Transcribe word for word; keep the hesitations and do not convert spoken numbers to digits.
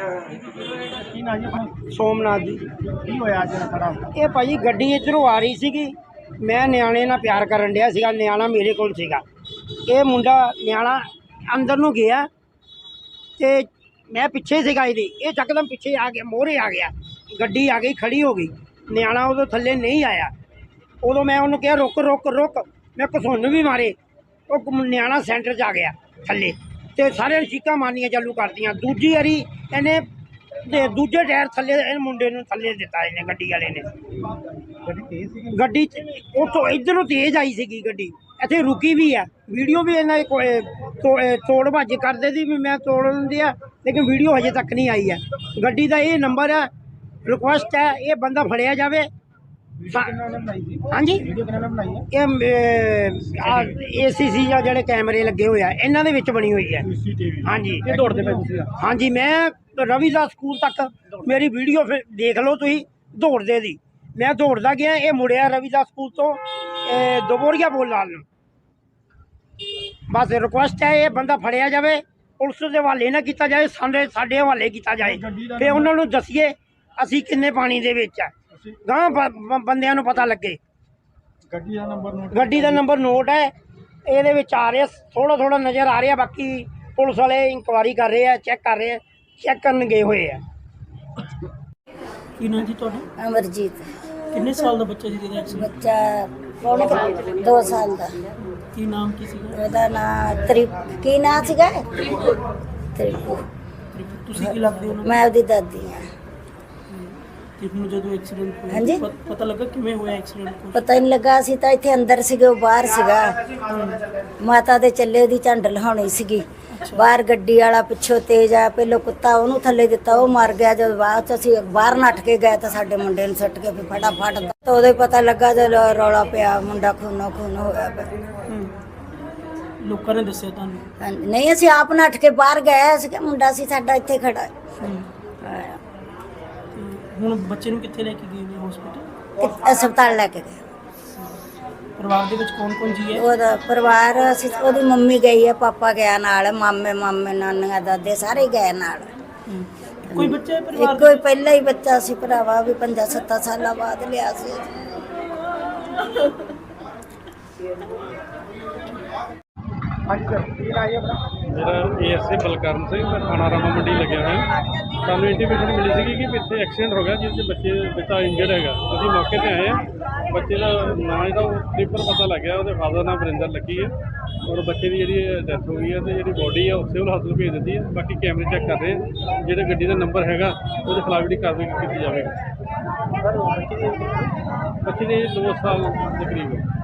ਕੀ ਨਾਂ ਜੀ ਆਪਣਾ? ਸੋਮਨਾਥ ਜੀ। ਕੀ ਹੋਇਆ ਅੱਜ ਖੜਾ? ਇਹ ਭਾਜੀ ਗੱਡੀ ਇੱਧਰੋਂ ਆ ਰਹੀ ਸੀਗੀ, ਮੈਂ ਨਿਆਣੇ ਨਾਲ ਪਿਆਰ ਕਰਨ ਡਿਆ ਸੀਗਾ, ਨਿਆਣਾ ਮੇਰੇ ਕੋਲ ਸੀਗਾ। ਇਹ ਮੁੰਡਾ ਨਿਆਣਾ ਅੰਦਰ ਨੂੰ ਗਿਆ ਤੇ ਮੈਂ ਪਿੱਛੇ ਸੀਗਾ ਇਹਦੇ, ਇਹ ਚੱਕਦਮ ਪਿੱਛੇ ਆ ਗਿਆ, ਮੋਹਰੇ ਆ ਗਿਆ, ਗੱਡੀ ਆ ਗਈ, ਖੜੀ ਹੋ ਗਈ। ਨਿਆਣਾ ਉਦੋਂ ਥੱਲੇ ਨਹੀਂ ਆਇਆ। ਉਦੋਂ ਮੈਂ ਉਹਨੂੰ ਕਿਹਾ ਰੁਕ ਰੁਕ ਰੁਕ, ਮੈਂ ਘਸੁੰਨ ਵੀ ਮਾਰੇ। ਉਹ ਨਿਆਣਾ ਸੈਂਟਰ 'ਚ ਆ ਗਿਆ ਥੱਲੇ ਤੇ ਸਾਰਿਆਂ ਨੇ ਚੀਕਾਂ ਮਾਰਨੀਆਂ ਚਾਲੂ ਕਰਤੀਆਂ। ਦੂਜੀ ਵਾਰੀ ਇਹਨੇ ਤੇ ਦੂਜੇ ਟਾਇਰ ਥੱਲੇ ਇਹ ਮੁੰਡੇ ਨੂੰ ਥੱਲੇ ਦਿੱਤਾ ਇਹਨੇ, ਗੱਡੀ ਵਾਲੇ ਨੇ। ਗੱਡੀ ਤੇਜ਼ ਸੀਗੀ? ਗੱਡੀ ਉੱਥੋਂ ਇੱਧਰੋਂ ਤੇਜ਼ ਆਈ ਸੀਗੀ ਗੱਡੀ, ਇੱਥੇ ਰੁਕੀ ਵੀ ਆ। ਵੀਡੀਓ ਵੀ ਇਹਨਾਂ ਦੇ ਤੋੜ ਭੱਜ ਕਰਦੇ ਸੀ ਵੀ ਮੈਂ ਤੋੜ ਦਿੰਦੀ ਆ, ਲੇਕਿਨ ਵੀਡੀਓ ਹਜੇ ਤੱਕ ਨਹੀਂ ਆਈ ਹੈ। ਗੱਡੀ ਦਾ ਇਹ ਨੰਬਰ ਹੈ, ਰਿਕੁਐਸਟ ਹੈ ਇਹ ਬੰਦਾ ਫੜਿਆ ਜਾਵੇ। ਹਾਂਜੀ, ਇਹ ਏ ਸੀ ਸੀ ਜਾਂ ਜਿਹੜੇ ਕੈਮਰੇ ਲੱਗੇ ਹੋਏ ਆ ਇਹਨਾਂ ਦੇ ਵਿੱਚ ਬਣੀ ਹੋਈ ਹੈ। ਹਾਂਜੀ, ਇਹ ਦੌੜਦੇ ਪਏ ਤੁਸੀਂ? ਹਾਂਜੀ, ਮੈਂ ਰਵੀਦਾਸ ਸਕੂਲ ਤੱਕ ਮੇਰੀ ਵੀਡੀਓ ਫਿਰ ਦੇਖ ਲਓ ਤੁਸੀਂ, ਦੌੜਦੇ ਦੀ ਮੈਂ ਦੌੜਦਾ ਗਿਆ। ਇਹ ਮੁੜਿਆ ਰਵੀਦਾਸ ਸਕੂਲ ਤੋਂ ਦੁਬੋਰੀਆ ਬੋਲ ਲਾਲ ਨੂੰ। ਬਸ ਰਿਕੁਐਸਟ ਹੈ ਇਹ ਬੰਦਾ ਫੜਿਆ ਜਾਵੇ, ਪੁਲਿਸ ਦੇ ਹਵਾਲੇ ਨਾ ਕੀਤਾ ਜਾਏ, ਸਾਡੇ ਸਾਡੇ ਹਵਾਲੇ ਕੀਤਾ ਜਾਏ। ਫਿਰ ਉਹਨਾਂ ਨੂੰ ਦੱਸੀਏ ਅਸੀਂ ਕਿੰਨੇ ਪਾਣੀ ਦੇ ਵਿੱਚ ਆ, ਗਾਂ ਬੰਦਿਆਂ ਨੂੰ ਪਤਾ ਲੱਗੇ। ਗੱਡੀ ਦਾ ਨੰਬਰ ਨੋਟ ਗੱਡੀ ਦਾ ਨੰਬਰ ਨੋਟ ਹੈ, ਇਹਦੇ ਵਿੱਚ ਆ ਰਿਹਾ, ਥੋੜਾ ਥੋੜਾ ਨਜ਼ਰ ਆ ਰਿਹਾ। ਬਾਕੀ ਪੁਲਿਸ ਵਾਲੇ ਇਨਕੁਆਇਰੀ ਕਰ ਰਹੇ ਆ, ਚੈੱਕ ਕਰ ਰਹੇ ਆ, ਚੈੱਕ ਕਰਨ ਗਏ ਹੋਏ ਆ। ਕੀ ਨਾਂ ਜੀ ਤੁਹਾਡਾ? ਅਮਰਜੀਤ। ਕਿੰਨੇ ਸਾਲ ਦਾ ਬੱਚਾ ਸੀ ਜਿਹਦਾ ਐਕਸੀਡੈਂਟ? ਬੱਚਾ ਪੌਣੇ ਦੋ ਸਾਲ ਦਾ। ਕੀ ਨਾਮ ਕੀ ਸੀਗਾ? ਉਹਦਾ ਨਾਂ ਤ੍ਰਿਪ ਕੀ ਨਾਂ ਸੀਗਾ? ਤ੍ਰਿਪੂ। ਤੁਸੀਂ ਕੀ ਲੱਗਦੇ ਹੋ ਉਹਨਾਂ ਨੂੰ? ਮੈਂ ਉਹਦੀ ਦਾਦੀ ਹਾਂ। ਤ੍ਰਿਪ ਨੂੰ ਜਦੋਂ ਐਕਸੀਡੈਂਟ ਹੋਇਆ ਹਾਂਜੀ? ਪ- ਪਤਾ ਲੱਗਾ ਕਿਵੇਂ ਹੋਇਆ ਐਕਸੀਡੈਂਟ? ਪਤਾ ਹੀ ਨਹੀਂ ਲੱਗਾ, ਅਸੀਂ ਤਾਂ ਇੱਥੇ ਅੰਦਰ ਸੀਗੇ, ਉਹ ਬਾਹਰ ਸੀਗਾ। ਮਾਤਾ ਦੇ ਚੱਲੇ ਉਹਦੀ ਝੰਡ ਲਹਾਉਣੀ ਸੀਗੀ। ਬਾਹਰ ਗੱਡੀ ਵਾਲਾ ਪਿੱਛੋਂ ਤੇਜ਼ ਆ, ਪਹਿਲੋਂ ਕੁੱਤਾ ਉਹਨੂੰ ਥੱਲੇ ਦਿੱਤਾ, ਉਹ ਮਰ ਗਿਆ। ਜਦ ਬਾਅਦ ਚ ਅਸੀਂ ਬਾਹਰ ਨੱਠ ਕੇ ਗਏ ਤਾਂ ਸਾਡੇ ਮੁੰਡੇ ਨੂੰ ਸੁੱਟ ਕੇ ਫਿਰ ਫਟਾਫਟ ਤਾਂ ਉਦੋਂ ਹੀ ਪਤਾ ਲੱਗਾ ਜਦ ਰੌਲਾ ਪਿਆ, ਮੁੰਡਾ ਖੂਨੋ ਖੂਨ ਹੋਇਆ ਪਿਆ। ਲੋਕਾਂ ਨੇ ਦੱਸਿਆ ਤੁਹਾਨੂੰ? ਹਾਂਜੀ, ਨਹੀਂ ਅਸੀਂ ਆਪ ਨੱਠ ਕੇ ਬਾਹਰ ਗਏ, ਅਸੀਂ ਕਿ ਮੁੰਡਾ ਸੀ ਸਾਡਾ ਇੱਥੇ ਖੜਾ ਹੈ। ਹਾਂ। ਤੇ ਹੁਣ ਬੱਚੇ ਨੂੰ ਕਿੱਥੇ ਲੈ ਕੇ ਗਏ ਨੇ? ਹਸਪੀਟਲ? ਕਿ- ਹਸਪਤਾਲ ਲੈ ਕੇ ਗਏ। ਪਰਿਵਾਰ ਦੇ ਵਿੱਚ ਕੌਣ ਕੌਣ ਜੀ ਹੈ? ਉਹਦਾ ਪਰਿਵਾਰ ਅਸੀਂ, ਉਹਦੀ ਮੰਮੀ ਗਈ ਹੈ, ਪਾਪਾ ਗਿਆ ਨਾਲ, ਮਾਮੇ ਮਾਮੇ ਨਾਨੀਆਂ ਦਾਦੇ ਸਾਰੇ ਗਏ ਨਾਲ। ਹਮ। ਕੋਈ ਬੱਚਾ ਹੈ ਪਰਿਵਾਰ ਇੱਕੋ ਹੀ ਪਹਿਲਾ ਹੀ ਬੱਚਾ ਸੀ ਭਰਾਵਾ, ਵੀ ਪੰਜਾਂ ਸੱਤਾਂ ਸਾਲਾਂ ਬਾਅਦ ਲਿਆ ਸੀ। ਹਾਂਜੀ ਸਰ, ਕੀ ਨਾਂ ਜੀ ਆਪਣਾ? ਮੇਰਾ ਏਐਸਏ ਬਲਕਰਨ ਸਿੰਘ, ਮੈਂ ਥਾਣਾ ਰਾਮਾ ਮੰਡੀ ਲੱਗਿਆ ਹੋਇਆ। ਸਾਨੂੰ ਇੰਟੀਮੇਸ਼ਨ ਮਿਲੀ ਸੀਗੀ ਕਿ ਪਿੱਛੇ ਐਕਸੀਡੈਂਟ ਹੋ ਗਿਆ ਜਿਸ 'ਚ ਬੱਚੇ ਬੱਚਾ ਇੰਜਰਡ ਹੈਗਾ। ਅਸੀਂ ਮੌਕੇ 'ਤੇ ਆਏ ਹਾਂ। ਬੱਚੇ ਦਾ ਨਾਂ ਜਿਹੜਾ ਉਹ ਟ੍ਰਿਪਰ ਪਤਾ ਲੱਗਿਆ, ਉਹਦੇ ਫਾਦਰ ਨਾਮ ਵਰਿੰਦਰ ਲੱਕੀ ਹੈ ਔਰ ਬੱਚੇ ਦੀ ਜਿਹੜੀ ਡੈਥ ਹੋ ਗਈ ਹੈ ਤੇ ਜਿਹੜੀ ਬੋਡੀ ਹੈ ਉਹ ਸਿਵਲ ਹਸਪਤਾਲ ਭੇਜ ਦਿੱਤੀ ਹੈ। ਬਾਕੀ ਕੈਮਰੇ ਚੈੱਕ ਕਰ ਰਹੇ ਹਾਂ, ਜਿਹੜੇ ਗੱਡੀ ਦਾ ਨੰਬਰ ਹੈਗਾ ਉਹਦੇ ਖਿਲਾਫ ਜਿਹੜੀ ਕਾਰਵਾਈ ਕੀਤੀ ਜਾਵੇਗੀ। ਬੱਚੇ ਦੇ ਦੋ ਸਾਲ ਦੇ ਕਰੀਬ ਹੈ।